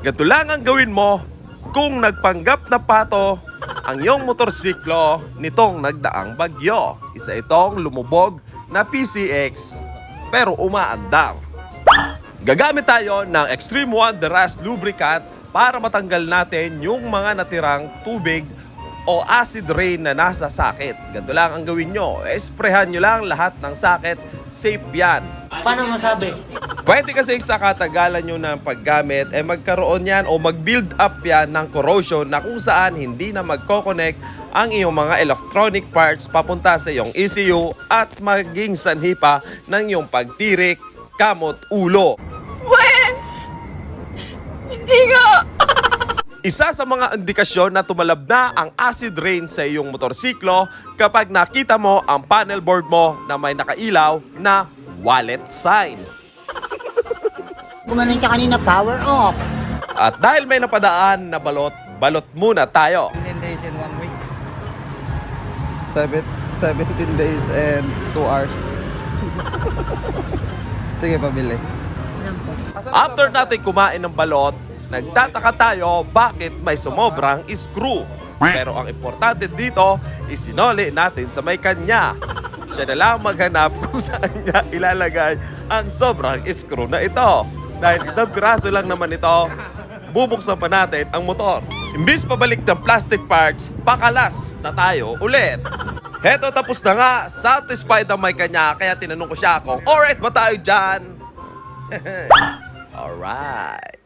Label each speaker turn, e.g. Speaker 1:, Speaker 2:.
Speaker 1: Ganito lang ang gawin mo kung nagpanggap na pato ang iyong motorsiklo nitong nagdaang bagyo. Isa itong lumubog na PCX pero umaandar. Gagamit tayo ng Extreme One The Rust Lubricant para matanggal natin yung mga natirang tubig o acid rain na nasa sakit. Ganito lang ang gawin nyo. Esprehan nyo lang lahat ng sakit. Safe yan.
Speaker 2: Paano masabi?
Speaker 1: Pwede kasi sa katagalan nyo ng paggamit, magkaroon yan o mag-build up yan ng corrosion na kung saan hindi na magkoconnect ang iyong mga electronic parts papunta sa iyong ECU at maging sanhi pa ng iyong pagtirik, kamot, ulo.
Speaker 3: Well, hindi nga.
Speaker 1: Isa sa mga indikasyon na tumalab na ang acid rain sa iyong motorsiklo kapag nakita mo ang panel board mo na may nakailaw na wallet sign.
Speaker 2: Gumanon ka kanina, power off.
Speaker 1: At dahil may napadaan na balot, balot muna tayo.
Speaker 4: 17 days and 1 week. 17 days and 2 hours. Sige, pabili.
Speaker 1: After natin kumain ng balot, nagtataka tayo bakit may sumobrang screw. Pero ang importante dito, isinoli natin sa may kanya. Siya na lang maghanap kung saan niya ilalagay ang sobrang screw na ito. Dahil isang piraso lang naman ito, bubuksan pa natin ang motor. Imbis pabalik ng plastic parts, pakalas na tayo ulit. Heto, tapos na nga. Satisfied ang may kanya, kaya tinanong ko siya kung alright ba tayo dyan? Alright.